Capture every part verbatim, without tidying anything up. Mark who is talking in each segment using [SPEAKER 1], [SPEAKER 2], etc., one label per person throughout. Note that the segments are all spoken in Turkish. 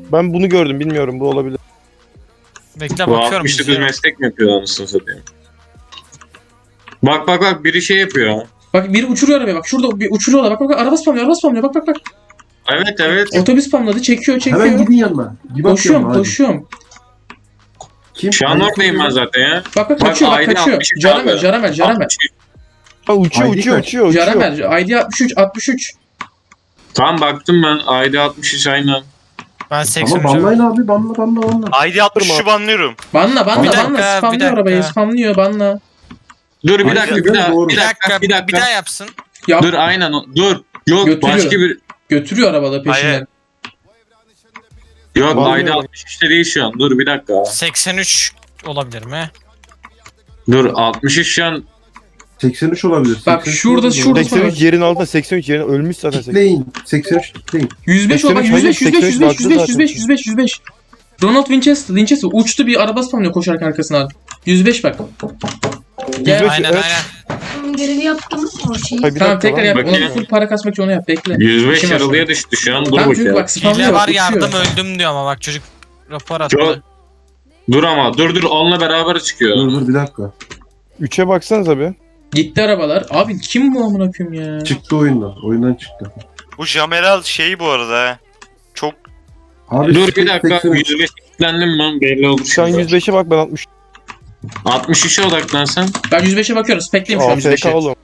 [SPEAKER 1] Ben bunu gördüm, bilmiyorum, bu olabilir.
[SPEAKER 2] Bekle
[SPEAKER 3] Bu
[SPEAKER 2] bakıyorum.
[SPEAKER 3] altmış dokuz
[SPEAKER 2] izliyorum.
[SPEAKER 3] meslek mi yapıyor anasını satayım? Bak bak bak biri şey yapıyor.
[SPEAKER 4] Bak biri uçuruyor arabayı bak. Şurada bir uçuruyorlar. Bak bak bak. Araba spamlıyor. Araba spamlıyor. Bak bak bak.
[SPEAKER 3] Evet evet.
[SPEAKER 4] Otobüs spamladı. Çekiyor çekiyor.
[SPEAKER 5] Hemen gidin yanına. Bir
[SPEAKER 4] Koşuyorum
[SPEAKER 5] bakıyorum
[SPEAKER 4] koşuyorum.
[SPEAKER 5] Kim?
[SPEAKER 3] Şu an oradayım ben zaten ya.
[SPEAKER 4] Bak bak
[SPEAKER 3] Bak,
[SPEAKER 4] kaçıyor bak
[SPEAKER 3] I D
[SPEAKER 4] kaçıyor.
[SPEAKER 3] altmış üç
[SPEAKER 4] Caramel
[SPEAKER 3] abi.
[SPEAKER 4] Caramel Caramel.
[SPEAKER 3] altmış üç.
[SPEAKER 1] Ha, uçuyor
[SPEAKER 5] I D
[SPEAKER 1] uçuyor
[SPEAKER 5] kaç?
[SPEAKER 1] uçuyor uçuyor.
[SPEAKER 4] Caramel. I D altmış üç altmış üç.
[SPEAKER 3] Tamam baktım ben. I D altmış üç aynen.
[SPEAKER 2] Ben seksen
[SPEAKER 5] Ama banlayın abi banla banla banla.
[SPEAKER 6] I D altmış üçü banlıyorum.
[SPEAKER 4] Banla banla
[SPEAKER 2] Bir dakika,
[SPEAKER 4] banla.
[SPEAKER 2] bir
[SPEAKER 4] Spamlıyor
[SPEAKER 2] dakika.
[SPEAKER 4] arabayı. Spamlıyor banla.
[SPEAKER 3] Dur bir
[SPEAKER 5] Aynen,
[SPEAKER 3] dakika bir daha.
[SPEAKER 5] doğru.
[SPEAKER 3] Bir
[SPEAKER 2] Bir
[SPEAKER 3] dakika
[SPEAKER 2] dakika,
[SPEAKER 3] bir
[SPEAKER 2] bir,
[SPEAKER 3] dakika.
[SPEAKER 2] daha yapsın.
[SPEAKER 4] Yap.
[SPEAKER 3] Dur aynen o- dur. Yok
[SPEAKER 4] Götürüyor.
[SPEAKER 3] başka bir.
[SPEAKER 4] Götürüyor arabaları peşinden.
[SPEAKER 6] Hayır.
[SPEAKER 3] Yok
[SPEAKER 1] Banlıyorum.
[SPEAKER 3] I D altmış üçte değil şu an. Dur bir dakika.
[SPEAKER 2] seksen üç olabilir mi?
[SPEAKER 3] Dur altmış üç şu an.
[SPEAKER 5] seksen üç olabilir.
[SPEAKER 4] Bak,
[SPEAKER 5] seksen üç
[SPEAKER 4] şurada-
[SPEAKER 5] olabilir.
[SPEAKER 4] şurada-
[SPEAKER 1] seksen üç yerin altında, seksen üç yerin ölmüş zaten.
[SPEAKER 5] Kitleyin. seksen üç kitleyin.
[SPEAKER 4] yüz beş o bak
[SPEAKER 1] seksen üç,
[SPEAKER 4] yüz beş yüz beş
[SPEAKER 1] hayır,
[SPEAKER 4] yüz beş yüz beş
[SPEAKER 1] seksen üç
[SPEAKER 4] yüz beş yüz beş yüz beş. Ronald Winchester Winchester uçtu bir araba spamlıyor koşarken arkasına. yüz beş bak. Gel.
[SPEAKER 1] yüz beş,
[SPEAKER 2] Aynen
[SPEAKER 1] evet.
[SPEAKER 2] aynen.
[SPEAKER 7] Görevi yaptım o şeyi.
[SPEAKER 1] Hayır, bir
[SPEAKER 4] Tamam
[SPEAKER 1] dakika
[SPEAKER 4] tekrar
[SPEAKER 1] lan.
[SPEAKER 4] yap.
[SPEAKER 3] Bakayım.
[SPEAKER 4] Ona full para kasmak için onu yap. Bekle.
[SPEAKER 3] yüz beş
[SPEAKER 4] İşim var
[SPEAKER 3] yaralıya
[SPEAKER 4] sonra.
[SPEAKER 3] düştü şu an. Dur
[SPEAKER 4] Tamam çünkü
[SPEAKER 3] bakayım.
[SPEAKER 4] bak spamlıyor.
[SPEAKER 2] Hile var
[SPEAKER 4] bak,
[SPEAKER 2] yardım
[SPEAKER 4] uçuyor.
[SPEAKER 2] öldüm diyor ama bak çocuk rapor attı.
[SPEAKER 3] Çok- Dur ama dur dur onunla beraber çıkıyor.
[SPEAKER 5] Dur dur bir dakika.
[SPEAKER 1] üçe baksanıza bir.
[SPEAKER 4] Gitti arabalar. Abi kim bu amına koyayım ya?
[SPEAKER 5] Çıktı oyundan. Oyundan çıktı.
[SPEAKER 6] Bu Jameral şeyi bu arada ha. Çok
[SPEAKER 5] Abi
[SPEAKER 3] Dur bir
[SPEAKER 5] seksen
[SPEAKER 3] dakika.
[SPEAKER 5] üç.
[SPEAKER 3] yüz beş kilitlendim ben belli olur.
[SPEAKER 1] Şu an
[SPEAKER 3] şimdi.
[SPEAKER 1] yüz beşe bak, ben altmış.
[SPEAKER 3] altmış üçe odaklan sen.
[SPEAKER 4] Ben yüz beşe bakıyorum. Spekleyim şu an yüz
[SPEAKER 1] A F
[SPEAKER 4] beşe.
[SPEAKER 1] K oğlum.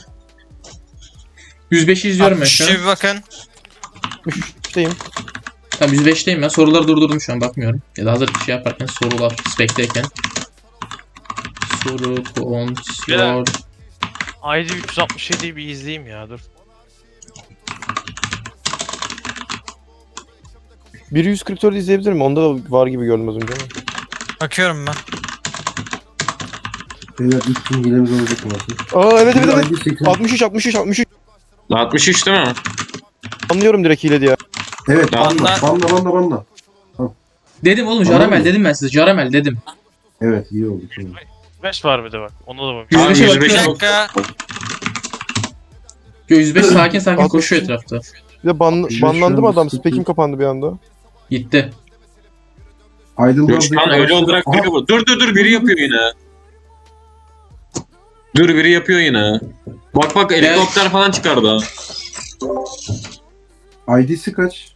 [SPEAKER 4] yüz beşi izliyorum ben şu an.
[SPEAKER 2] altmış üçe bir bakın.
[SPEAKER 1] Üçteyim.
[SPEAKER 4] Tamam yüz beşteyim ben. Soruları durdurdum şu an bakmıyorum. Ya da hazır bir şey yaparken sorular spekteyken. Soru kontrol.
[SPEAKER 8] I D üç yüz altmış yediyi bir izleyeyim ya dur.
[SPEAKER 1] Biri yüz kırk dört izleyebilir mi? Onda da var gibi gördüm az önce ama.
[SPEAKER 2] Bakıyorum ben.
[SPEAKER 5] Beyler ilk gün hilemiz olacak mı?
[SPEAKER 1] Aa evet evet evet.
[SPEAKER 5] I D seksen üç.
[SPEAKER 1] altmış üç altmış üç altmış üç.
[SPEAKER 3] altmış üç değil mi?
[SPEAKER 1] Anlıyorum direkt hile diye.
[SPEAKER 5] Evet banla
[SPEAKER 2] Banla.
[SPEAKER 5] banla banla banla.
[SPEAKER 4] Dedim oğlum
[SPEAKER 5] Tamam
[SPEAKER 4] Caramel
[SPEAKER 5] mı?
[SPEAKER 4] dedim ben size. Caramel dedim.
[SPEAKER 5] Evet iyi oldu şimdi.
[SPEAKER 8] beş var bir de bak. Ona da bak.
[SPEAKER 4] yüz
[SPEAKER 3] Tamam,
[SPEAKER 4] beşe
[SPEAKER 3] yüz
[SPEAKER 2] Bir
[SPEAKER 3] beş
[SPEAKER 4] bakıyorum.
[SPEAKER 2] dakika.
[SPEAKER 4] Yo, yüz beş sakin sakin
[SPEAKER 1] altmış
[SPEAKER 4] koşuyor
[SPEAKER 1] üç.
[SPEAKER 4] etrafta.
[SPEAKER 1] Bir de ban,
[SPEAKER 5] Şu-
[SPEAKER 1] banlandı
[SPEAKER 5] şu
[SPEAKER 1] mı
[SPEAKER 5] an
[SPEAKER 1] adam?
[SPEAKER 5] sıkıntı.
[SPEAKER 1] Spekim kapandı bir anda.
[SPEAKER 4] Gitti.
[SPEAKER 5] Aydın
[SPEAKER 3] Şu an öyle olarak biri bu. Dur dur dur biri yapıyor yine. Dur biri yapıyor yine. Bak bak helikopter falan çıkardı.
[SPEAKER 5] I D'si kaç?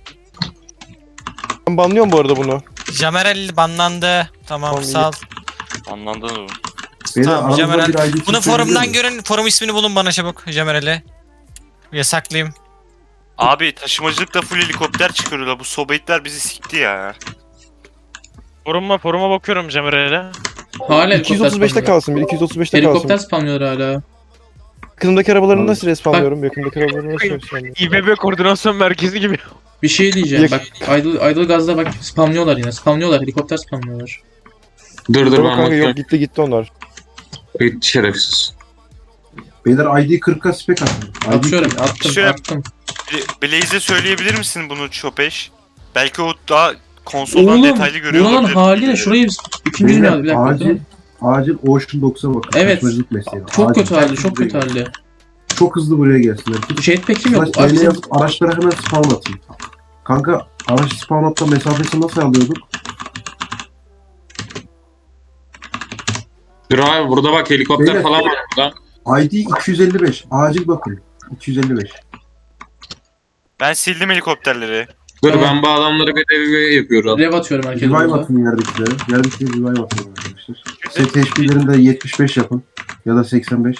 [SPEAKER 1] Ben banlıyorum bu arada bunu.
[SPEAKER 2] Jamerel banlandı. Tamam
[SPEAKER 1] Tamam,
[SPEAKER 2] sağ ol.
[SPEAKER 6] anlamda mı?
[SPEAKER 5] Beyler
[SPEAKER 2] Tamam,
[SPEAKER 5] aranızda
[SPEAKER 2] Jamerel.
[SPEAKER 5] bir I D'si
[SPEAKER 2] Bunu
[SPEAKER 5] söyleyebilir
[SPEAKER 2] forumdan
[SPEAKER 5] mi?
[SPEAKER 2] görün. Forum ismini bulun bana çabuk Jamerel'i. Yasaklayayım.
[SPEAKER 6] Abi taşımacılıkta full helikopter çıkarıyorlar. Bu sobayitler bizi sikti ya.
[SPEAKER 8] Foruma foruma bakıyorum Cemir'e.
[SPEAKER 4] Hala
[SPEAKER 1] iki yüz otuz beşte
[SPEAKER 4] helikopter
[SPEAKER 1] kalsın. Bir iki yüz otuz beşte
[SPEAKER 4] Helikopter
[SPEAKER 1] kalsın.
[SPEAKER 4] spamlıyor hala.
[SPEAKER 1] Yakınımdaki arabaları
[SPEAKER 5] Abi.
[SPEAKER 1] nasıl respamlıyorum? Yakınımdaki arabaları nasıl respamlıyorum?
[SPEAKER 8] İ B B koordinasyon merkezi gibi.
[SPEAKER 4] Bir şey diyeceğim
[SPEAKER 1] Yak-
[SPEAKER 4] bak. Idle, idle gazda bak spamlıyorlar yine. Spamlıyorlar. Helikopter spamlıyorlar.
[SPEAKER 3] Dur dur
[SPEAKER 1] Yok
[SPEAKER 3] ben
[SPEAKER 1] kanka,
[SPEAKER 3] bakıyorum.
[SPEAKER 1] yok gitti gitti onlar.
[SPEAKER 3] Gitti şerefsiz.
[SPEAKER 5] Beyler I D kırka spek atın. I D
[SPEAKER 4] Atıyorum
[SPEAKER 5] kırk.
[SPEAKER 4] attım
[SPEAKER 6] Şöyle-
[SPEAKER 4] attım.
[SPEAKER 6] Bla- Blaze'e söyleyebilir misin bunu Çopeş? Belki o daha konsoldan
[SPEAKER 4] Oğlum
[SPEAKER 6] detaylı görüyor
[SPEAKER 4] buranın
[SPEAKER 6] olabilir.
[SPEAKER 4] haline şurayı biz ikinci
[SPEAKER 5] Beyler
[SPEAKER 4] dünyada bir dakika.
[SPEAKER 5] acil
[SPEAKER 4] bakın.
[SPEAKER 5] acil Ocean doksa bakın.
[SPEAKER 4] Evet.
[SPEAKER 5] Taşımacılık mesleği.
[SPEAKER 4] Çok
[SPEAKER 5] Acil.
[SPEAKER 4] kötü halde çok kötü halde.
[SPEAKER 5] Çok hızlı buraya gelsinler.
[SPEAKER 4] Jetpack kim yok?
[SPEAKER 5] Slash
[SPEAKER 4] Abi
[SPEAKER 5] T L
[SPEAKER 4] bizim-
[SPEAKER 5] yazıp araçlara hemen spawn atın. Kanka araç spawn atma mesafesi nasıl alıyorduk?
[SPEAKER 3] Dur abi burada bak helikopter
[SPEAKER 5] Beyler,
[SPEAKER 3] falan var burada.
[SPEAKER 5] I D iki yüz elli beş. Acil bakın. iki yüz elli beş.
[SPEAKER 6] Ben sildim helikopterleri.
[SPEAKER 3] Dur
[SPEAKER 4] Tamam.
[SPEAKER 3] ben bu adamları bir revive yapıyorum.
[SPEAKER 4] Rev atıyorum herkese
[SPEAKER 5] Revive
[SPEAKER 4] burada.
[SPEAKER 5] atın yerdekilere. Yerdekilere revive atın arkadaşlar. Set H P'lerini de yetmiş beş yapın. Ya da seksen beş.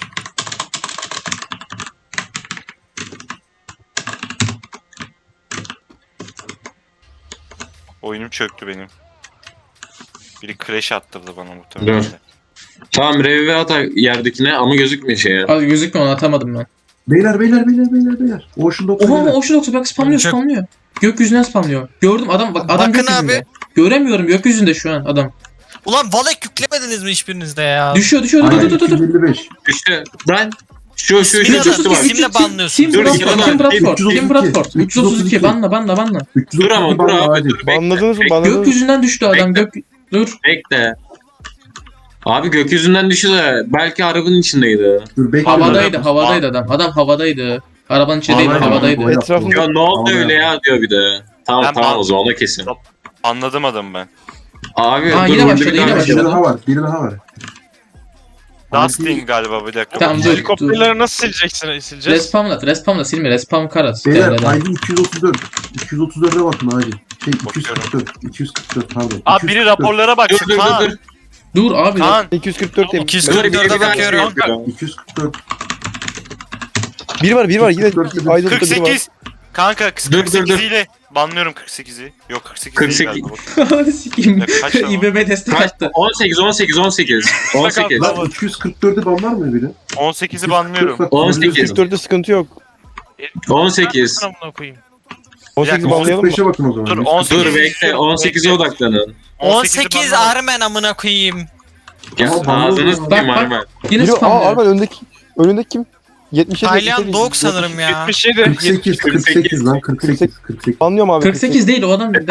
[SPEAKER 6] Oyunum çöktü benim. Biri crash attırdı bana muhtemelen.
[SPEAKER 3] Dur. Tamam revive at yerdekine ama gözükmüyor şeye.
[SPEAKER 4] Abi gözükmüyor onu atamadım ben.
[SPEAKER 5] Beyler beyler beyler beyler beyler. Ocean doksa
[SPEAKER 4] Oha
[SPEAKER 5] beyler.
[SPEAKER 4] o şu doksa bak spamlıyor
[SPEAKER 2] Çok-
[SPEAKER 4] spamlıyor. Gökyüzünden spamlıyor. Gördüm adam bak adam
[SPEAKER 2] Bakın
[SPEAKER 4] gökyüzünde.
[SPEAKER 2] abi.
[SPEAKER 4] Göremiyorum gökyüzünde şu an adam.
[SPEAKER 2] Ulan Valek yüklemediniz mi hiçbirinizde ya?
[SPEAKER 4] Düşüyor düşüyor dur
[SPEAKER 5] Aynen
[SPEAKER 4] dur dur
[SPEAKER 5] iki yüz
[SPEAKER 4] dur.
[SPEAKER 5] elli beş.
[SPEAKER 3] İşte ben şu şu şu
[SPEAKER 2] İsmini
[SPEAKER 3] şu
[SPEAKER 2] alın,
[SPEAKER 3] şu bak.
[SPEAKER 2] isimle banlıyorsun.
[SPEAKER 4] Kim
[SPEAKER 3] Dur,
[SPEAKER 4] Bradford?
[SPEAKER 3] iki
[SPEAKER 4] Kim
[SPEAKER 3] adam,
[SPEAKER 4] Bradford?
[SPEAKER 5] üç yüz otuz
[SPEAKER 4] Kim
[SPEAKER 5] iki.
[SPEAKER 4] Bradford?
[SPEAKER 5] üç yüz
[SPEAKER 4] üç yüz otuz iki.
[SPEAKER 5] otuz iki.
[SPEAKER 4] Banla banla banla.
[SPEAKER 5] üç yüz
[SPEAKER 3] Dur
[SPEAKER 5] otuz
[SPEAKER 3] ama
[SPEAKER 5] iki
[SPEAKER 3] dur
[SPEAKER 5] banla
[SPEAKER 3] abi
[SPEAKER 5] acil.
[SPEAKER 3] dur bekle.
[SPEAKER 1] Banladınız mı?
[SPEAKER 3] Bekle,
[SPEAKER 1] Banladınız mı?
[SPEAKER 4] Gökyüzünden düştü adam
[SPEAKER 3] Bekle.
[SPEAKER 4] gök... Dur.
[SPEAKER 3] bekle. Abi gökyüzünden düştü de belki arabanın içindeydi.
[SPEAKER 5] Dur bekle.
[SPEAKER 4] Havadaydı havadaydı adam. Adam havadaydı. Arabanın içinde değil
[SPEAKER 5] Havadaydı.
[SPEAKER 4] havadaydı.
[SPEAKER 5] Havadaydı.
[SPEAKER 1] Etrafında
[SPEAKER 3] Ya ne oldu
[SPEAKER 5] Havada
[SPEAKER 3] öyle ya diyor bir de. Tamam
[SPEAKER 6] Ben
[SPEAKER 3] tamam
[SPEAKER 6] ban-
[SPEAKER 3] o zaman ona kesin.
[SPEAKER 6] Anladım adamı ben.
[SPEAKER 3] Abi
[SPEAKER 4] Aa,
[SPEAKER 3] dur
[SPEAKER 4] yine
[SPEAKER 3] burada
[SPEAKER 4] başladı,
[SPEAKER 3] bir
[SPEAKER 4] yine
[SPEAKER 3] daha
[SPEAKER 5] Biri
[SPEAKER 4] başladı.
[SPEAKER 3] başladı.
[SPEAKER 5] daha var. Biri daha var.
[SPEAKER 6] Dustin galiba bir dakika.
[SPEAKER 4] Tamam dur. dur.
[SPEAKER 8] Helikopterleri nasıl sileceksin? Sileceğiz.
[SPEAKER 4] Respamla, respamla silme, respam karat.
[SPEAKER 5] Beyler
[SPEAKER 4] T R'den.
[SPEAKER 5] I D iki yüz otuz dört. iki yüz otuz dörde bakın acil. Şey iki yüz kırk dört. iki yüz kırk dört pardon.
[SPEAKER 6] Abi biri
[SPEAKER 5] iki yüz kırk dört.
[SPEAKER 6] raporlara
[SPEAKER 3] Dur
[SPEAKER 6] baksın.
[SPEAKER 3] dur dur
[SPEAKER 6] Kaan.
[SPEAKER 3] dur.
[SPEAKER 4] Dur abi.
[SPEAKER 6] Kaan.
[SPEAKER 1] iki yüz kırk dört
[SPEAKER 2] iki yüz
[SPEAKER 3] Dur
[SPEAKER 2] kırk
[SPEAKER 3] bir
[SPEAKER 2] dörde
[SPEAKER 3] bir daha
[SPEAKER 2] bakıyorum.
[SPEAKER 3] bakıyorum.
[SPEAKER 5] iki yüz kırk dört.
[SPEAKER 1] Biri var biri var yine
[SPEAKER 5] kırk dört dedim.
[SPEAKER 1] Aydın'da biri var.
[SPEAKER 6] kırk sekiz. Kanka
[SPEAKER 3] Dur, dur,
[SPEAKER 6] kırk sekiz
[SPEAKER 3] dur.
[SPEAKER 6] ile banlıyorum kırk sekizi. Yok kırk sekiz,
[SPEAKER 3] kırk
[SPEAKER 6] değil
[SPEAKER 3] sekiz.
[SPEAKER 6] galiba.
[SPEAKER 4] Sikeyim.
[SPEAKER 6] Ya kaç lan o?
[SPEAKER 4] İ B B destek
[SPEAKER 3] Kaç?
[SPEAKER 4] attı.
[SPEAKER 3] on sekiz on sekiz on sekiz. on sekiz.
[SPEAKER 5] Lan iki yüz kırk dörde banlar mı biri?
[SPEAKER 6] on sekizi banlıyorum.
[SPEAKER 3] on
[SPEAKER 1] iki yüz
[SPEAKER 3] sekiz.
[SPEAKER 1] kırk dörtte sıkıntı yok.
[SPEAKER 3] on sekiz.
[SPEAKER 8] Amına koyayım.
[SPEAKER 1] on sekiz
[SPEAKER 6] dakika,
[SPEAKER 1] banlayalım mı?
[SPEAKER 5] beşe bakın o zaman.
[SPEAKER 6] Dur,
[SPEAKER 5] yüz
[SPEAKER 6] on
[SPEAKER 5] kırk
[SPEAKER 6] sekiz.
[SPEAKER 3] Dur bekle on sekize odaklanın.
[SPEAKER 2] on
[SPEAKER 6] sekizi
[SPEAKER 2] sekiz
[SPEAKER 6] banlıyorum.
[SPEAKER 2] Armen amına koyayım.
[SPEAKER 3] Ya
[SPEAKER 5] Ama bana
[SPEAKER 3] ağzını
[SPEAKER 5] oluyor.
[SPEAKER 3] sıkayım
[SPEAKER 4] Bak, bak.
[SPEAKER 3] Armen.
[SPEAKER 4] Yine
[SPEAKER 1] Biri, aa
[SPEAKER 4] spamlıyor.
[SPEAKER 1] Arman önündeki önündeki kim? yetmiş yedi.
[SPEAKER 2] Taylan Dog sanırım ya.
[SPEAKER 8] yetmiş yedi.
[SPEAKER 5] kırk sekiz, kırk sekiz lan kırk sekiz, kırk sekiz.
[SPEAKER 1] Banlıyorum abi.
[SPEAKER 4] kırk sekiz değil o adam değil.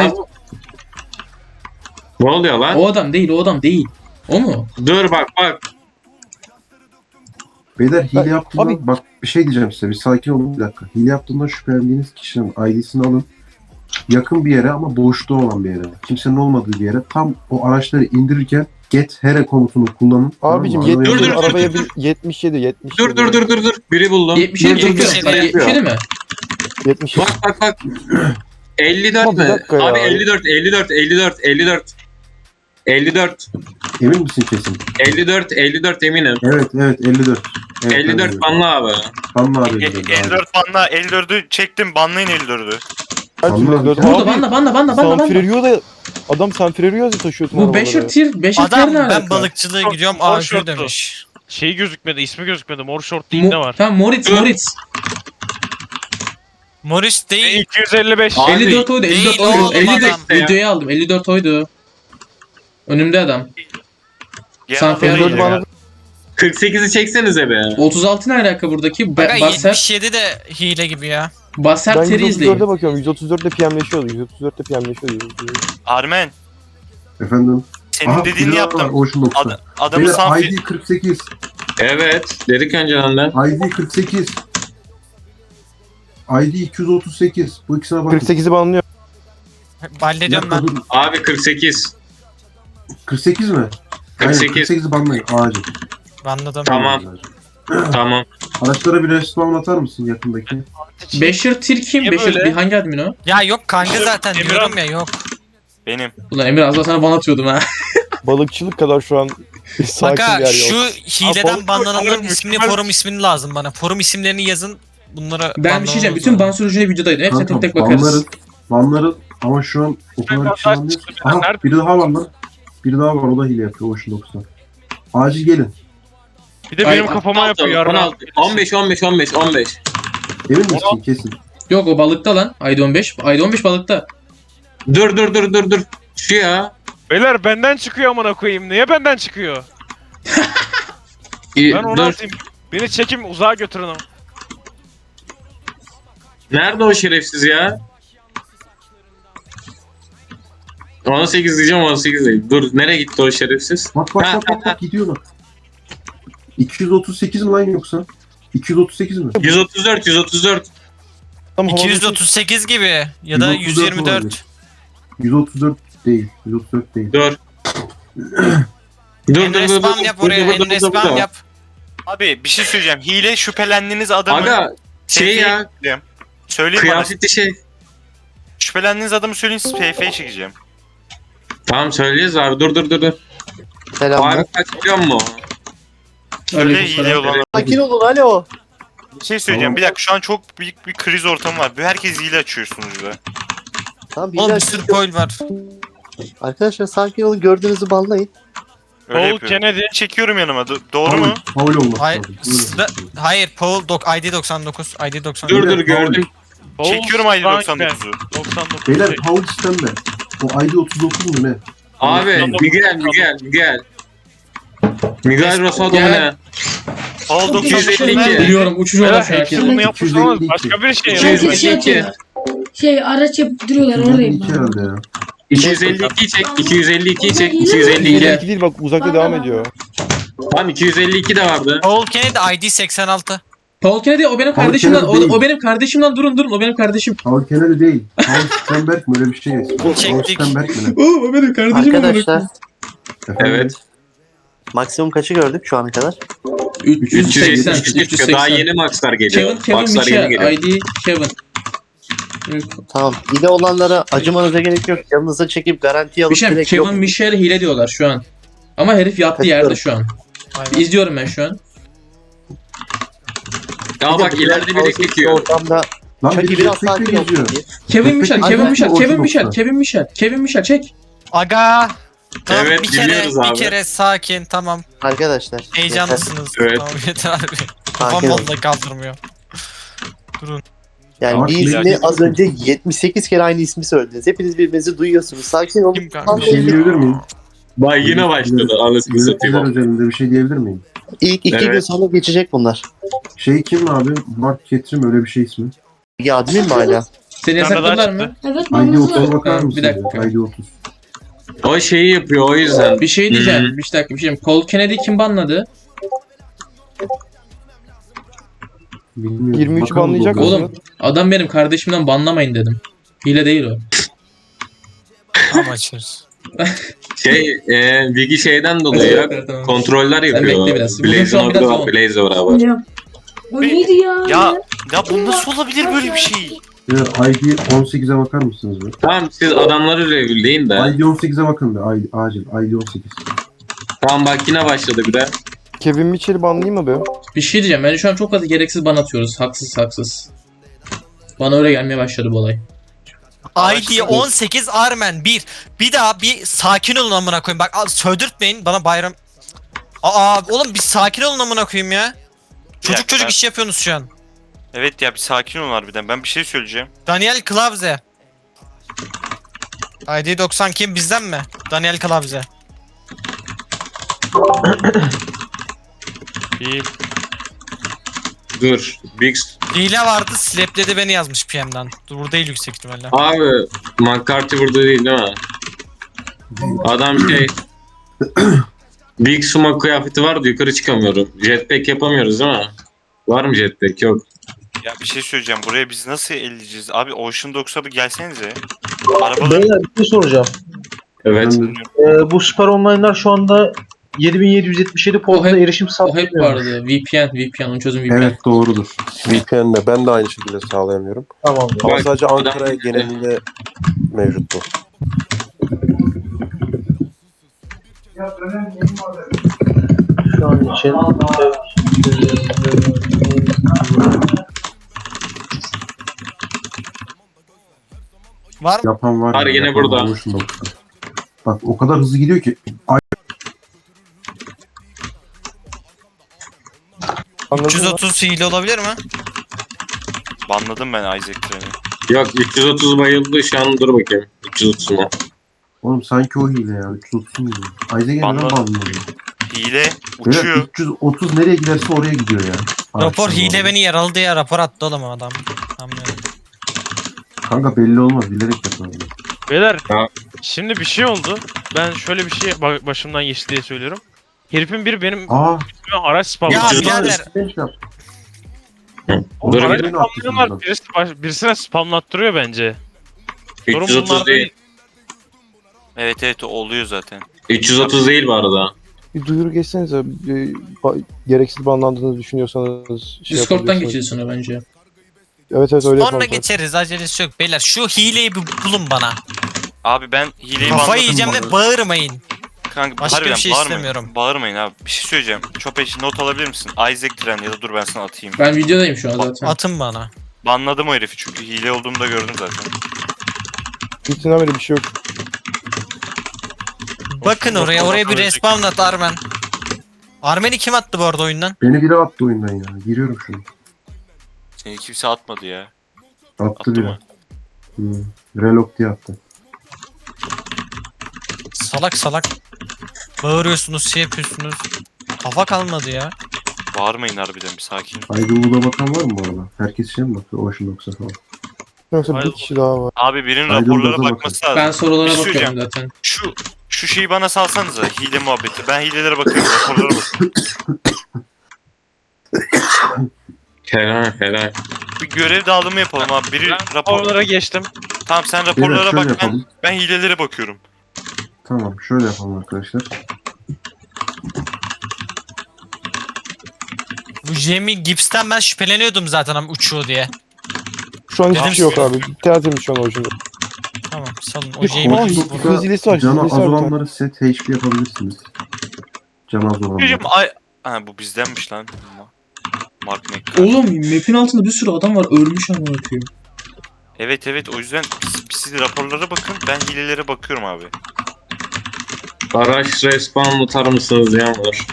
[SPEAKER 3] Ne oluyor lan?
[SPEAKER 4] O adam değil, o adam değil. O mu?
[SPEAKER 3] Dur bak bak.
[SPEAKER 5] Beyler hile
[SPEAKER 1] Ben-
[SPEAKER 5] yaptığında
[SPEAKER 1] abi-
[SPEAKER 5] bak bir şey diyeceğim size bir sakin olun bir dakika. Hile yaptığında şüphelendiğiniz kişinin I D'sini alın. Yakın bir yere ama boşluğu olan bir yere. Kimsenin olmadığı bir yere. Tam o araçları indirirken get here komutunu kullanın.
[SPEAKER 1] Abicim
[SPEAKER 5] Tamam mı?
[SPEAKER 1] yetmiş
[SPEAKER 3] Dur,
[SPEAKER 1] yedi
[SPEAKER 3] dur, dur,
[SPEAKER 1] arabaya
[SPEAKER 3] dur.
[SPEAKER 1] bir yetmiş yedi yetmiş
[SPEAKER 3] Dur dur dur dur dur. Biri buldum.
[SPEAKER 4] yetmiş yedi
[SPEAKER 3] Dur, dur, dur.
[SPEAKER 4] çekiyor. Sana yetmiş yedi mi?
[SPEAKER 1] yetmiş yedi.
[SPEAKER 3] Bak bak bak. elli dört
[SPEAKER 1] Ama bir
[SPEAKER 3] mü?
[SPEAKER 1] dakika ya.
[SPEAKER 3] Abi elli dört elli dört elli dört elli dört. elli dört.
[SPEAKER 5] Emin misin kesin?
[SPEAKER 3] elli dört elli dört eminim.
[SPEAKER 5] Evet evet elli dört. Evet,
[SPEAKER 3] elli dört banla abi.
[SPEAKER 5] Banla abi.
[SPEAKER 6] E- elli dört banla. elli dördü çektim. Banlayın elli dördü.
[SPEAKER 1] Her türlü
[SPEAKER 5] Anladım.
[SPEAKER 1] dört.
[SPEAKER 4] Burada
[SPEAKER 1] Abi
[SPEAKER 4] banla banla banla banla banla.
[SPEAKER 1] Sanfrerio da adam Sanfrerio da taşıyordu.
[SPEAKER 4] Bu Beşer tier, Beşer tier
[SPEAKER 2] Adam
[SPEAKER 4] ne
[SPEAKER 2] ben
[SPEAKER 4] alaka?
[SPEAKER 2] balıkçılığa
[SPEAKER 8] Short-
[SPEAKER 2] gidiyorum
[SPEAKER 8] short
[SPEAKER 2] A J
[SPEAKER 8] short'tu.
[SPEAKER 2] demiş.
[SPEAKER 8] Şeyi gözükmedi, ismi gözükmedi. Mor short değil ne
[SPEAKER 4] Mo-
[SPEAKER 8] var?
[SPEAKER 4] Tamam Moritz,
[SPEAKER 3] Dur.
[SPEAKER 4] Moritz.
[SPEAKER 2] Morris değil.
[SPEAKER 8] iki yüz elli beş.
[SPEAKER 3] Abi,
[SPEAKER 4] elli dört oydu, elli dört
[SPEAKER 2] değil
[SPEAKER 4] oydu.
[SPEAKER 2] oğlum
[SPEAKER 4] elli
[SPEAKER 2] adam.
[SPEAKER 4] dört videoyu aldım, elli dört oydu. Önümde adam.
[SPEAKER 6] Genel
[SPEAKER 4] Sanfer
[SPEAKER 6] adamı
[SPEAKER 1] dördü
[SPEAKER 6] iyi
[SPEAKER 1] bana
[SPEAKER 6] ya.
[SPEAKER 3] kırk sekizi çeksenize be.
[SPEAKER 4] otuz altı ne alaka buradaki? Ba-
[SPEAKER 2] Aga
[SPEAKER 4] Basser,
[SPEAKER 2] yetmiş yedi de hile gibi ya.
[SPEAKER 4] Basser
[SPEAKER 1] Ben
[SPEAKER 4] teri
[SPEAKER 1] yüz otuz dörde
[SPEAKER 4] izleyin.
[SPEAKER 1] bakıyorum. yüz otuz dörtte P M'leşiyordu. yüz otuz dörtte P M'leşiyordu.
[SPEAKER 6] Armen.
[SPEAKER 5] Efendim.
[SPEAKER 6] Senin
[SPEAKER 5] Aha,
[SPEAKER 6] dediğini
[SPEAKER 5] biri daha
[SPEAKER 6] yaptım.
[SPEAKER 5] var, Ocean doksan.
[SPEAKER 6] Ad, adamı
[SPEAKER 5] Beyler
[SPEAKER 6] Sanfer...
[SPEAKER 5] I D kırk sekiz.
[SPEAKER 3] Evet. Dedik önceden de.
[SPEAKER 5] I D kırk sekiz. I D iki yüz otuz sekiz. Bu ikisine bakın.
[SPEAKER 1] kırk sekizi banlıyor.
[SPEAKER 5] Bir
[SPEAKER 2] Hallediyorum
[SPEAKER 5] dakika,
[SPEAKER 2] ben.
[SPEAKER 5] dur.
[SPEAKER 3] Abi kırk sekiz.
[SPEAKER 5] kırk sekiz mi?
[SPEAKER 3] kırk sekiz.
[SPEAKER 5] kırk sekizi banlayın acil.
[SPEAKER 2] Anladım.
[SPEAKER 3] Tamam. Tamam.
[SPEAKER 5] Araçlara bir respawn atar mısın yakındaki?
[SPEAKER 4] Beşer tier kim?
[SPEAKER 8] Niye
[SPEAKER 4] Beşer
[SPEAKER 8] böyle?
[SPEAKER 4] bir hangi admin o?
[SPEAKER 2] Ya yok kanka zaten
[SPEAKER 8] Emirhan-
[SPEAKER 2] diyorum ya yok.
[SPEAKER 6] Benim.
[SPEAKER 4] Ulan Emir az daha sana ban atıyordum ha.
[SPEAKER 1] Balıkçılık kadar şu an bir sakin bir
[SPEAKER 2] Baka
[SPEAKER 1] yer
[SPEAKER 2] şu
[SPEAKER 1] yok.
[SPEAKER 2] hileden
[SPEAKER 8] balık-
[SPEAKER 2] banlananların
[SPEAKER 8] balık-
[SPEAKER 2] ismini,
[SPEAKER 8] mükemmel-
[SPEAKER 2] forum ismini lazım bana. Forum isimlerini yazın. Bunlara
[SPEAKER 4] Ben bir şey diyeceğim. Bütün ban sürücüne videodaydı. Hepsine tek tek bakarız.
[SPEAKER 5] banlarız. Banlarız ama şu an o kadar kişi
[SPEAKER 8] Ben-
[SPEAKER 5] banlıyoruz.
[SPEAKER 8] ben-
[SPEAKER 5] Aha
[SPEAKER 8] Nerede?
[SPEAKER 5] biri daha var lan. Biri daha var o da hile yapıyor Ocean doksan. Acil gelin.
[SPEAKER 8] Bir de
[SPEAKER 4] Ay,
[SPEAKER 8] benim kafama
[SPEAKER 3] on
[SPEAKER 8] yapıyor.
[SPEAKER 3] altı,
[SPEAKER 8] yarın.
[SPEAKER 3] on altı, on beş on beş on beş on beş.
[SPEAKER 5] Emin misin kesin?
[SPEAKER 4] Yok o balıkta lan. Ayda on beş. Ayda on beş balıkta.
[SPEAKER 3] Dur dur dur dur dur. Şu ya.
[SPEAKER 8] Beyler benden çıkıyor amına koyayım. Niye benden çıkıyor?
[SPEAKER 3] İyi,
[SPEAKER 8] Ben onu
[SPEAKER 3] dur.
[SPEAKER 8] atayım. Beni çekim uzağa götürün ama.
[SPEAKER 3] Nerede o şerefsiz ya? on sekiz diyeceğim on sekiz değil. Dur nereye gitti o şerefsiz?
[SPEAKER 5] Bak bak
[SPEAKER 3] Ha,
[SPEAKER 5] bak bak, bak gidiyorlar. iki yüz otuz sekiz mi lan yoksa? iki yüz otuz sekiz mi?
[SPEAKER 3] yüz otuz dört yüz otuz dört.
[SPEAKER 1] Tam havada-
[SPEAKER 2] iki yüz otuz sekiz gibi ya da
[SPEAKER 5] yüz
[SPEAKER 2] yüz
[SPEAKER 5] otuz dört
[SPEAKER 2] yirmi dört.
[SPEAKER 5] olabilir. yüz otuz dört değil. yüz otuz dört değil.
[SPEAKER 3] Dur. Dur dur
[SPEAKER 2] Emre
[SPEAKER 3] dur
[SPEAKER 2] spam
[SPEAKER 3] dur.
[SPEAKER 2] yap
[SPEAKER 3] Dur,
[SPEAKER 2] oraya.
[SPEAKER 3] dur, dur,
[SPEAKER 2] Emre
[SPEAKER 3] dur, dur,
[SPEAKER 2] spam
[SPEAKER 3] dur.
[SPEAKER 2] yap.
[SPEAKER 6] Abi bir şey söyleyeceğim. Hile şüphelendiğiniz adamı...
[SPEAKER 3] Aga şey ya
[SPEAKER 6] Söyleyeyim. Söyleyeyim bana.
[SPEAKER 3] kıyafetli şey.
[SPEAKER 6] Şüphelendiğiniz adamı söyleyin siz P F'ye çekeceğim.
[SPEAKER 3] Tamam söyleyeceğiz abi dur dur dur. dur.
[SPEAKER 1] Selamlar.
[SPEAKER 3] Abi kaç biliyor musun?
[SPEAKER 6] Şöyle
[SPEAKER 4] Aleykümselam.
[SPEAKER 6] hile olan...
[SPEAKER 1] Sakin olun alo.
[SPEAKER 6] Bir şey söyleyeceğim.
[SPEAKER 5] Tamam.
[SPEAKER 6] Bir dakika şu an çok büyük bir kriz ortamı var. Herkes hile açıyor sunucuda.
[SPEAKER 7] Tamam bir
[SPEAKER 2] Oğlum bir
[SPEAKER 7] dakika.
[SPEAKER 2] sürü coil var.
[SPEAKER 7] Arkadaşlar sakin olun gördüğünüzü banlayın.
[SPEAKER 6] Öyle
[SPEAKER 8] Paul
[SPEAKER 6] yapıyorum.
[SPEAKER 8] Kennedy.
[SPEAKER 6] Çekiyorum yanıma. Do- doğru mu?
[SPEAKER 5] Faul olması
[SPEAKER 2] Hayır,
[SPEAKER 5] lazım. Öyle
[SPEAKER 2] sıra-
[SPEAKER 5] olması lazım.
[SPEAKER 2] hayır Paul dok I D doksan dokuz. I D doksan
[SPEAKER 3] Dur
[SPEAKER 2] dokuz.
[SPEAKER 3] dur gördüm.
[SPEAKER 8] Paul
[SPEAKER 6] Çekiyorum I D
[SPEAKER 8] Frankman.
[SPEAKER 6] doksan dokuzu.
[SPEAKER 8] doksan dokuz.
[SPEAKER 5] Beyler faul sistemde. O I D otuz dokuz mu ne?
[SPEAKER 3] Abi Miguel Miguel Miguel. Miguel Rosado mu
[SPEAKER 4] Gel.
[SPEAKER 3] ne?
[SPEAKER 6] Paul doksan
[SPEAKER 3] iki yüz elli
[SPEAKER 6] dokuz.
[SPEAKER 3] iki.
[SPEAKER 4] Biliyorum uçucu
[SPEAKER 8] Beyler
[SPEAKER 4] olan şu herkes.
[SPEAKER 8] hepsi bunu yapmış ama başka bir şey
[SPEAKER 3] iki yüz
[SPEAKER 8] yapıyor.
[SPEAKER 3] elli iki.
[SPEAKER 9] Şey araç yapıp duruyorlar oradayım
[SPEAKER 5] iki
[SPEAKER 9] ben.
[SPEAKER 5] herhalde ya.
[SPEAKER 3] iki yüz elli ikiyi çek. iki yüz elli ikiyi çek. iki yüz elli
[SPEAKER 1] İki
[SPEAKER 3] iki.
[SPEAKER 1] değil bak uzakta devam ediyor.
[SPEAKER 3] Tamam iki yüz elli iki de vardı.
[SPEAKER 2] Paul Kennedy I D seksen altı.
[SPEAKER 4] Paul Kennedy o benim
[SPEAKER 5] Paul
[SPEAKER 4] kardeşimden. O,
[SPEAKER 5] Kennedy
[SPEAKER 4] o benim kardeşimden durun durun o benim kardeşim.
[SPEAKER 5] Paul Kennedy değil. Paul Stenberg mi öyle bir şey? Paul
[SPEAKER 2] Çektik.
[SPEAKER 5] Stenberg mi? ne?
[SPEAKER 4] Oğlum o benim kardeşim.
[SPEAKER 7] Arkadaşlar
[SPEAKER 5] Efendim?
[SPEAKER 3] Evet.
[SPEAKER 7] maksimum kaçı gördük şu ana kadar?
[SPEAKER 4] üç yüz seksen.
[SPEAKER 3] üç yüz yetmiş daha yeni maxlar geliyor.
[SPEAKER 4] Kevin, Kevin
[SPEAKER 3] Maxlar yeni
[SPEAKER 4] Michel.
[SPEAKER 3] geliyor.
[SPEAKER 4] I D Kevin.
[SPEAKER 7] Tamam. Hile olanlara acımanıza gerek yok. Yanınıza çekip garanti alıp
[SPEAKER 4] Bir şey
[SPEAKER 7] direkt
[SPEAKER 4] Kevin
[SPEAKER 7] yok.
[SPEAKER 4] Michel hile diyorlar şu an. Ama herif yattığı
[SPEAKER 7] Kaçıyorum.
[SPEAKER 4] yerde şu an.
[SPEAKER 2] Aynen.
[SPEAKER 4] İzliyorum ben şu an.
[SPEAKER 3] Ya bak ileride biri çekiyor.
[SPEAKER 7] Ortamda
[SPEAKER 5] Lan
[SPEAKER 7] çok iyi
[SPEAKER 5] biri
[SPEAKER 7] biraz
[SPEAKER 5] jetpack'le
[SPEAKER 7] sakin olsun
[SPEAKER 5] geziyor.
[SPEAKER 7] diye.
[SPEAKER 4] Kevin
[SPEAKER 5] Peki,
[SPEAKER 4] Michel,
[SPEAKER 5] peki,
[SPEAKER 4] Kevin
[SPEAKER 5] aynen.
[SPEAKER 4] Michel,
[SPEAKER 5] Orta
[SPEAKER 4] Kevin Michel,
[SPEAKER 5] nokta.
[SPEAKER 4] Kevin Michel, Kevin Michel çek.
[SPEAKER 2] Aga. Tamam,
[SPEAKER 3] Evet,
[SPEAKER 2] bir kere,
[SPEAKER 3] biliyoruz abi.
[SPEAKER 2] bir kere sakin, tamam.
[SPEAKER 7] Arkadaşlar.
[SPEAKER 2] Heyecanlısınız.
[SPEAKER 3] Evet.
[SPEAKER 2] Tamam yeter abi. Kafam
[SPEAKER 7] Sakin olun.
[SPEAKER 2] vallahi kaldırmıyor.
[SPEAKER 7] Yani
[SPEAKER 5] Ama
[SPEAKER 7] bir
[SPEAKER 5] şimdi-
[SPEAKER 7] ismi az önce yetmiş sekiz kere aynı ismi söylediniz. Hepiniz birbirinizi duyuyorsunuz. Sakin olun.
[SPEAKER 2] Kim kanka?
[SPEAKER 5] Bir şey diyebilir miyim?
[SPEAKER 3] Bak yine başladı. Anasını
[SPEAKER 5] Yöneticiler
[SPEAKER 3] satayım.
[SPEAKER 5] özelinde bir şey diyebilir miyim?
[SPEAKER 7] İlk iki
[SPEAKER 3] Evet.
[SPEAKER 7] gün sonra geçecek bunlar.
[SPEAKER 5] Şey kim abi? Mark Ketrim öyle bir şey ismi.
[SPEAKER 7] Ya admin mi hala?
[SPEAKER 4] Seni
[SPEAKER 8] Bir tane daha
[SPEAKER 4] yasakladılar mı?
[SPEAKER 8] çıktı.
[SPEAKER 9] Evet
[SPEAKER 5] I D
[SPEAKER 9] manızlı.
[SPEAKER 5] otuza bakar
[SPEAKER 4] Ha, bir
[SPEAKER 5] mısın?
[SPEAKER 4] dakika.
[SPEAKER 5] I D otuz.
[SPEAKER 3] O şeyi yapıyor o yüzden.
[SPEAKER 4] Bir şey diyeceğim.
[SPEAKER 3] Hmm.
[SPEAKER 4] Bir dakika bir şey diyeyim. Paul Kennedy kim banladı?
[SPEAKER 5] Bilmiyorum.
[SPEAKER 1] yirmi üçü
[SPEAKER 5] Bakalım
[SPEAKER 1] banlayacak
[SPEAKER 5] Google'a.
[SPEAKER 4] Oğlum adam benim kardeşimden banlamayın dedim. Hile değil o.
[SPEAKER 2] Tamam açıyoruz.
[SPEAKER 3] Şey, e, Vigi şeyden dolayı ya.
[SPEAKER 4] Tamam.
[SPEAKER 3] Kontroller yapıyor.
[SPEAKER 4] bekle biraz. Bugün şu
[SPEAKER 3] Blaze'in
[SPEAKER 4] an biraz
[SPEAKER 3] orada var.
[SPEAKER 4] yoğun.
[SPEAKER 3] Blaze var abi.
[SPEAKER 9] Hocam. O neydi ya?
[SPEAKER 6] Ya ya bu nasıl olabilir böyle bir şey?
[SPEAKER 5] Evet, I D on sekize bakar mısınız be?
[SPEAKER 3] Tamam siz adamları reviewleyin de.
[SPEAKER 5] I D on sekize bakın be. I D, acil. I D on sekiz.
[SPEAKER 3] Tamam bak yine başladı bir de.
[SPEAKER 1] Kevin Mitchell'i banlayayım mı be?
[SPEAKER 4] Bir şey diyeceğim. Bence şu an çok fazla gereksiz ban atıyoruz. Haksız haksız. Bana öyle gelmeye başladı bu olay.
[SPEAKER 2] I D on sekiz Armen bir. Bir daha bir sakin olun amına koyayım. Bak al, söldürtmeyin bana bayram. Aa oğlum bir sakin olun amına koyayım ya. Çocuk
[SPEAKER 6] dakika,
[SPEAKER 2] çocuk
[SPEAKER 6] ben-
[SPEAKER 2] iş yapıyorsunuz şu an.
[SPEAKER 6] Evet ya bir sakin olun harbiden. Ben bir şey söyleyeceğim.
[SPEAKER 2] Daniel Klavze. I D doksan kim bizden mi? Daniel Klavze.
[SPEAKER 8] Bir
[SPEAKER 3] Dur. Big
[SPEAKER 2] Hile vardı slapledi beni yazmış P M'den. Dur burada değil yüksek ihtimalle.
[SPEAKER 3] Abi McCarthy burada değil değil mi? Adam şey Big Smoke kıyafeti vardı yukarı çıkamıyorum. Jetpack yapamıyoruz değil mi? Var mı jetpack? Yok.
[SPEAKER 6] Ya bir şey söyleyeceğim. Buraya biz nasıl elleyeceğiz? Abi Ocean Dogs'a bir gelsenize. Arabaları
[SPEAKER 10] Beyler bir şey soracağım.
[SPEAKER 3] Evet.
[SPEAKER 5] Ben-
[SPEAKER 10] Ee, bu süper online'lar şu anda yedi bin yedi yüz yetmiş yedi portuna
[SPEAKER 4] hep-
[SPEAKER 10] erişim
[SPEAKER 4] O hep
[SPEAKER 10] sağlamıyor.
[SPEAKER 4] vardı. V P N, V P N. Onun çözüm V P N.
[SPEAKER 5] Evet doğrudur.
[SPEAKER 11] V P N'le ben de aynı şekilde sağlayamıyorum.
[SPEAKER 10] Tamam.
[SPEAKER 11] Ama
[SPEAKER 3] Bak,
[SPEAKER 11] sadece
[SPEAKER 3] adam-
[SPEAKER 11] Ankara genelinde mevcut bu.
[SPEAKER 10] Şu an için
[SPEAKER 2] Var mı?
[SPEAKER 5] Yapan var.
[SPEAKER 3] Var,
[SPEAKER 5] ya,
[SPEAKER 3] yine
[SPEAKER 5] yapan
[SPEAKER 3] burada.
[SPEAKER 5] olmuş da. Bak o kadar hızlı gidiyor ki. Ay,
[SPEAKER 1] Anladın
[SPEAKER 2] üç yüz
[SPEAKER 1] mı?
[SPEAKER 2] otuz hile olabilir mi?
[SPEAKER 6] banladım ben Isaac Tren'i.
[SPEAKER 3] Yok üç yüz otuz bayıldı şu an dur bakayım. üç yüz otuz mu?
[SPEAKER 5] Oğlum sanki o hile ya. üç yüz otuz mu? Ayza neden
[SPEAKER 6] Banladım.
[SPEAKER 5] banlıyor?
[SPEAKER 6] Hile
[SPEAKER 5] Evet,
[SPEAKER 6] uçuyor.
[SPEAKER 5] üç yüz otuz nereye giderse oraya gidiyor ya.
[SPEAKER 2] Rapor
[SPEAKER 5] Araçtan
[SPEAKER 2] hile
[SPEAKER 5] doğru.
[SPEAKER 2] beni yaraladı ya rapor attı oğlum adam. Anlıyorum.
[SPEAKER 5] Kanka belli olmaz. Bilerek yapıyor.
[SPEAKER 8] Beyler
[SPEAKER 3] Ya.
[SPEAKER 8] şimdi bir şey oldu. Ben şöyle bir şey ba- başımdan geçti diye söylüyorum. Herifin biri benim
[SPEAKER 5] Aa.
[SPEAKER 8] araç spamladı.
[SPEAKER 2] Ya
[SPEAKER 3] Ucuz.
[SPEAKER 2] birader.
[SPEAKER 5] Genç yap.
[SPEAKER 3] Dur
[SPEAKER 8] Araç
[SPEAKER 5] bir-
[SPEAKER 8] spamlıyorlar. Birisi, baş- birisine spamlattırıyor bence. Sorun
[SPEAKER 3] üç yüz otuz
[SPEAKER 8] bunlar
[SPEAKER 3] değil.
[SPEAKER 8] değil.
[SPEAKER 6] Evet evet o oluyor zaten.
[SPEAKER 3] üç yüz otuz değil bu arada.
[SPEAKER 1] Bir duyuru geçsenize. Bir, ba- gereksiz banlandığınızı düşünüyorsanız şey
[SPEAKER 4] Discord'dan
[SPEAKER 1] yapabilirsiniz.
[SPEAKER 4] geçeceğiz sonra bence.
[SPEAKER 1] Evet evet öyle
[SPEAKER 2] Sonra
[SPEAKER 1] yapalım.
[SPEAKER 2] geçeriz acelesi yok beyler. Şu hileyi bir bulun bana.
[SPEAKER 6] Abi ben hileyi
[SPEAKER 2] Kafayı
[SPEAKER 6] banladım.
[SPEAKER 2] yiyeceğim
[SPEAKER 6] bu arada.
[SPEAKER 2] ve bağırmayın.
[SPEAKER 6] Kanka,
[SPEAKER 2] Başka
[SPEAKER 6] harbiden
[SPEAKER 2] bir şey
[SPEAKER 6] bağırmayın.
[SPEAKER 2] istemiyorum.
[SPEAKER 6] Bağırmayın abi. Bir şey söyleyeceğim. Çopeş not alabilir misin? Isaac Tren ya da dur ben sana atayım.
[SPEAKER 4] Ben videodayım şu an zaten.
[SPEAKER 2] Atın bana.
[SPEAKER 6] Banladım o herifi çünkü hile olduğumu da gördüm zaten.
[SPEAKER 1] Gittiğinden beri bir şey yok.
[SPEAKER 2] Bakın oraya oraya bir respawn at Armen. Armen'i kim attı bu arada oyundan?
[SPEAKER 5] Beni biri attı oyundan ya. Giriyorum şunu.
[SPEAKER 6] Seni kimse atmadı ya.
[SPEAKER 5] Attı
[SPEAKER 6] Attı
[SPEAKER 5] biri.
[SPEAKER 6] mı?
[SPEAKER 5] Hmm. Relog diye attı.
[SPEAKER 2] Salak salak. Bağırıyorsunuz şey yapıyorsunuz. Kafa kalmadı ya.
[SPEAKER 6] Bağırmayın harbiden bir sakin.
[SPEAKER 5] Aydınlı'da bakan var mı bu arada? Herkes şey mi bakıyor? Ocean Dogs'a falan.
[SPEAKER 1] Yoksa
[SPEAKER 8] Hayır.
[SPEAKER 1] bir kişi daha var.
[SPEAKER 6] Abi birinin
[SPEAKER 5] Aydın
[SPEAKER 6] raporlara
[SPEAKER 5] gaza
[SPEAKER 6] bakması lazım.
[SPEAKER 4] Ben sorulara
[SPEAKER 6] Bir şey
[SPEAKER 4] bakıyorum
[SPEAKER 6] söyleyeceğim.
[SPEAKER 4] zaten.
[SPEAKER 6] Şu şu şeyi bana salsanıza hile muhabbeti. Ben hilelere bakıyorum, raporlara bakıyorum.
[SPEAKER 3] Helal helal.
[SPEAKER 6] Bir görev dağılımı yapalım abi. Biri
[SPEAKER 8] Ben
[SPEAKER 6] rapor...
[SPEAKER 8] raporlara geçtim.
[SPEAKER 6] Tamam sen
[SPEAKER 5] Beyler
[SPEAKER 6] raporlara
[SPEAKER 5] şöyle
[SPEAKER 6] bak, ben,
[SPEAKER 5] yapalım.
[SPEAKER 6] ben hilelere bakıyorum.
[SPEAKER 5] Tamam şöyle yapalım arkadaşlar.
[SPEAKER 2] Bu Jamie Gibbs'ten ben şüpheleniyordum zaten ama uçuyor diye.
[SPEAKER 1] Şu an hiçbir
[SPEAKER 2] Dedim
[SPEAKER 1] şey yok
[SPEAKER 2] size.
[SPEAKER 1] abi. Tertemiz şu an Ocean'da.
[SPEAKER 2] Tamam salın o
[SPEAKER 1] Bir
[SPEAKER 2] Jamie
[SPEAKER 1] Ay,
[SPEAKER 2] Gibbs.
[SPEAKER 1] bu- Hızlisi var,
[SPEAKER 5] Canı az
[SPEAKER 1] hızlisi var bir tane.
[SPEAKER 5] olanları set H P yapabilirsiniz. Canı az olanları.
[SPEAKER 6] Hocam ay... Ha bu bizdenmiş lan. Mark McCann.
[SPEAKER 4] Oğlum map'in altında bir sürü adam var ölmüş amına koyayım.
[SPEAKER 6] Evet evet o yüzden siz, siz raporlara bakın, ben hilelere bakıyorum abi.
[SPEAKER 3] Araç respawn atar mısınız diyen var.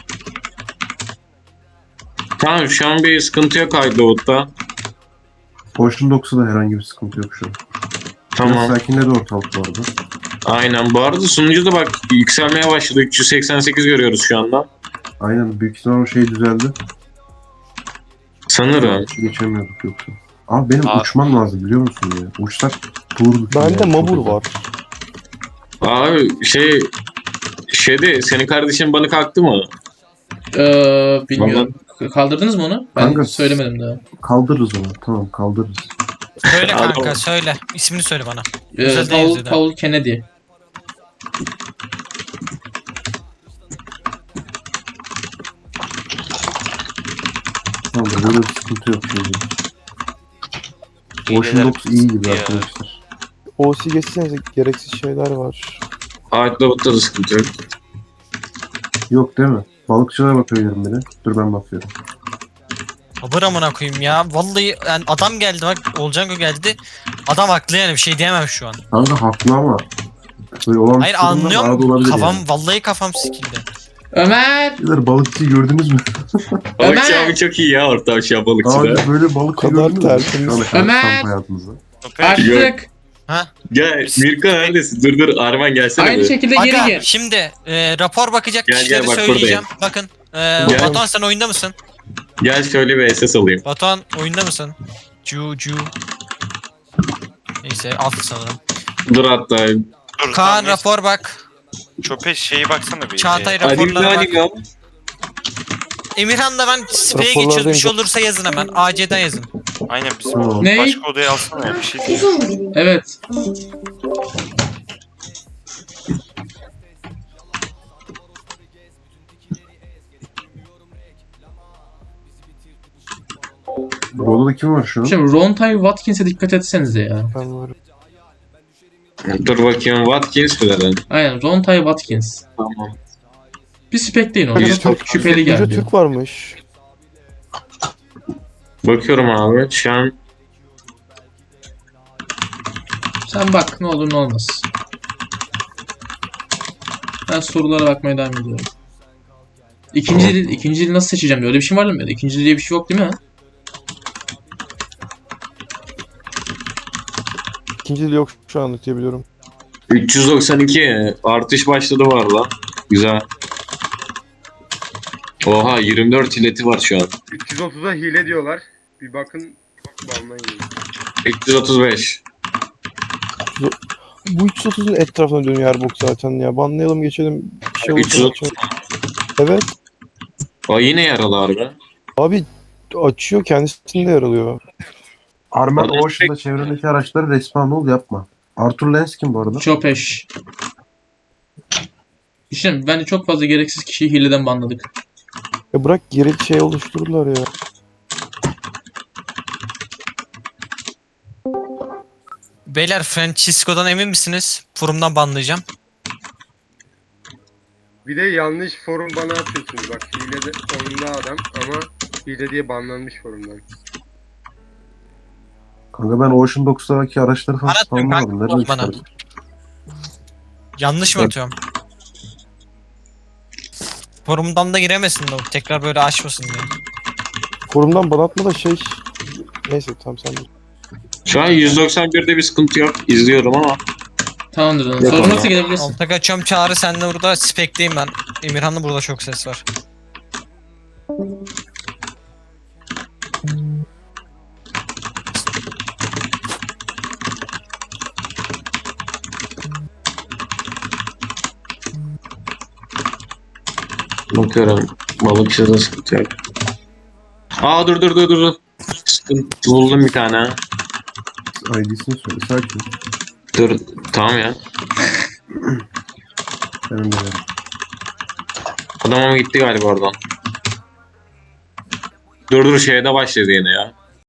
[SPEAKER 3] Tamam şu an bir sıkıntı yok Hydewood'da.
[SPEAKER 5] Ocean Dogs'da da herhangi bir sıkıntı yok şu an. Biraz
[SPEAKER 3] Tamam.
[SPEAKER 5] sakinledi ortalık bu arada.
[SPEAKER 3] Aynen. Bu arada sunucu da bak yükselmeye başladı. üç yüz seksen sekiz görüyoruz şu anda.
[SPEAKER 5] Aynen büyük ihtimal o şey düzeldi.
[SPEAKER 3] Sanırım.
[SPEAKER 5] Geçemiyorduk yoksa. Abi benim
[SPEAKER 6] Aa.
[SPEAKER 5] uçmam lazım biliyor musun ya? Uçsak dururduk.
[SPEAKER 1] Bende
[SPEAKER 5] yani.
[SPEAKER 1] Mabur var.
[SPEAKER 3] Abi şey şeyde senin kardeşin bana kalktı mı?
[SPEAKER 4] Ee, bilmiyorum. Kaldırdınız mı onu? Ben
[SPEAKER 5] Kanka.
[SPEAKER 4] söylemedim daha.
[SPEAKER 5] Kaldırırız onu. Tamam kaldırırız.
[SPEAKER 2] Söyle
[SPEAKER 3] Abi-
[SPEAKER 2] kanka söyle. İsmini söyle bana.
[SPEAKER 4] Ee,
[SPEAKER 2] Güzel
[SPEAKER 4] Paul,
[SPEAKER 2] yazıyordu.
[SPEAKER 4] Paul Kennedy.
[SPEAKER 5] Tamam böyle bir sıkıntı yok şimdi. Ocean
[SPEAKER 6] Hileler
[SPEAKER 5] Dogs iyi gibi
[SPEAKER 6] ya.
[SPEAKER 5] arkadaşlar.
[SPEAKER 1] O C geçsenize gereksiz şeyler var.
[SPEAKER 3] Hydewood'da da sıkıntı yok.
[SPEAKER 5] Yok değil mi? Balıkçılara bakıyorum bir de. Dur ben bakıyorum.
[SPEAKER 2] Abur amına koyayım ya. Vallahi yani adam geldi bak Olcango geldi. Adam haklı yani bir şey diyemem şu an.
[SPEAKER 5] Kanka haklı ama. Böyle olan
[SPEAKER 2] Hayır
[SPEAKER 5] sorunlar arada
[SPEAKER 2] anlıyorum.
[SPEAKER 5] olabilir
[SPEAKER 2] Kafam
[SPEAKER 5] yani.
[SPEAKER 2] vallahi kafam sikildi.
[SPEAKER 4] Ömer!
[SPEAKER 5] Beyler balıkçıyı gördünüz mü?
[SPEAKER 3] Balıkçı
[SPEAKER 4] Ömer!
[SPEAKER 3] abi çok iyi ya ortam şu an
[SPEAKER 5] Abi
[SPEAKER 3] balıkçıda.
[SPEAKER 5] böyle balıkçı
[SPEAKER 1] kadar
[SPEAKER 5] gördünüz mü?
[SPEAKER 1] tertemiz.
[SPEAKER 5] Şu ana kadar
[SPEAKER 4] Ömer!
[SPEAKER 5] kamp hayatınızda.
[SPEAKER 4] Açtık.
[SPEAKER 3] Gel Mirko neredesin? Dur dur Arman gelsene.
[SPEAKER 4] Aynı
[SPEAKER 3] bir.
[SPEAKER 4] şekilde geri
[SPEAKER 2] Aga
[SPEAKER 4] gel.
[SPEAKER 2] şimdi e, rapor bakacak
[SPEAKER 3] Gel,
[SPEAKER 2] kişileri
[SPEAKER 3] gel, bak
[SPEAKER 2] söyleyeceğim. Bakın. E,
[SPEAKER 3] Gel.
[SPEAKER 2] Batuhan sen oyunda mısın?
[SPEAKER 3] Gel şöyle bir S S alayım.
[SPEAKER 2] Batuhan oyunda mısın? Cu cu. Neyse alt sanırım.
[SPEAKER 3] Dur hatta.
[SPEAKER 6] Dur,
[SPEAKER 2] Kaan
[SPEAKER 6] tamam,
[SPEAKER 2] rapor bak.
[SPEAKER 6] Çöpe şeyi baksana bir.
[SPEAKER 2] Çağatay
[SPEAKER 6] Ee,
[SPEAKER 2] raporlara bak.
[SPEAKER 3] ya.
[SPEAKER 2] Emirhan da ben speye
[SPEAKER 1] Raporlardayım.
[SPEAKER 2] geçiyoruz. Bir şey olursa yazın hemen. A C'den yazın.
[SPEAKER 6] Aynen bizim
[SPEAKER 5] Tamam.
[SPEAKER 4] Ne?
[SPEAKER 6] başka odaya alsana ya bir şey değil.
[SPEAKER 9] Uzun mu benim?
[SPEAKER 4] Evet.
[SPEAKER 5] Bu odada kim var şu an?
[SPEAKER 4] Şimdi Rontay Watkins'e dikkat etsenize ya.
[SPEAKER 1] Ben varım.
[SPEAKER 3] Dur bakayım Watkins mi dedin?
[SPEAKER 4] Aynen Rontay Watkins.
[SPEAKER 3] Tamam.
[SPEAKER 4] Bir spekleyin onu.
[SPEAKER 3] Yüz-
[SPEAKER 4] Çok şüpheli
[SPEAKER 1] Yüce
[SPEAKER 4] geldi.
[SPEAKER 1] Türk varmış.
[SPEAKER 3] Bakıyorum abi şu an.
[SPEAKER 4] Sen bak ne olur ne olmaz. Ben sorulara bakmaya devam ediyorum. İkinci dil, ikinci dil nasıl seçeceğim? Öyle bir şey var mı? İkinci dil diye bir şey yok değil mi?
[SPEAKER 1] İkinci dil yok şu anlık diye biliyorum.
[SPEAKER 3] üç yüz doksan iki artış başladı var lan. Güzel. Oha yirmi dört ileti var şu an.
[SPEAKER 12] üç yüz otuza hile diyorlar. Bir bakın. Banlayın.
[SPEAKER 3] üç yüz otuz beş.
[SPEAKER 1] Bu üç yüz otuzun etrafına dönüyor her bok zaten ya. Banlayalım geçelim. Bir şey
[SPEAKER 3] üç yüz
[SPEAKER 1] olursa
[SPEAKER 3] otuz.
[SPEAKER 1] açalım. Evet.
[SPEAKER 3] O yine yaralı harbi.
[SPEAKER 1] Abi açıyor kendisinde yer alıyor.
[SPEAKER 5] Armen
[SPEAKER 3] Adam-
[SPEAKER 5] Ocean'da çevrendeki araçları respawn ol yapma. Arthur Lens kim bu arada?
[SPEAKER 4] Çopeş. İşte bence çok fazla gereksiz kişiyi hileden banladık.
[SPEAKER 1] Ya bırak geri şey oluştururlar ya.
[SPEAKER 2] Beyler Francisco'dan emin misiniz? Forumdan banlayacağım.
[SPEAKER 12] Bir de yanlış forum bana atıyorsunuz. Bak hile de oyunda adam ama hile diye banlanmış forumdan.
[SPEAKER 5] Kanka ben Ocean Dogs'taki araçları falan
[SPEAKER 2] Anlatmıyorum
[SPEAKER 5] spawnlamadım.
[SPEAKER 2] kanka,
[SPEAKER 5] Nereden
[SPEAKER 2] bana.
[SPEAKER 5] çıkardın?
[SPEAKER 2] Yanlış mı
[SPEAKER 5] Evet.
[SPEAKER 2] atıyorum? Forumdan da giremesin de o. Tekrar böyle açmasın diye.
[SPEAKER 1] Forumdan bana atma da şey... Neyse tamam sen de.
[SPEAKER 3] Şu an yüz doksan birde bir sıkıntı yok. İzliyorum ama.
[SPEAKER 4] Tamamdır.
[SPEAKER 5] Yok
[SPEAKER 4] Sorun
[SPEAKER 5] ama.
[SPEAKER 4] varsa gelebilirsin.
[SPEAKER 2] Alta kaçıyorum Çağrı sen de burada spekteyim ben. Emirhan'da burada çok ses var.
[SPEAKER 3] Bakıyorum. Balıkçıda sıkıntı yok. Aa dur dur dur dur. Sıkıntı buldum bir tane.
[SPEAKER 5] I D'sini söyle. Sakin.
[SPEAKER 3] Dur tamam ya.
[SPEAKER 5] Benim de öyle.
[SPEAKER 3] Adam ama gitti galiba oradan. Dur dur şeyde başladı yine ya.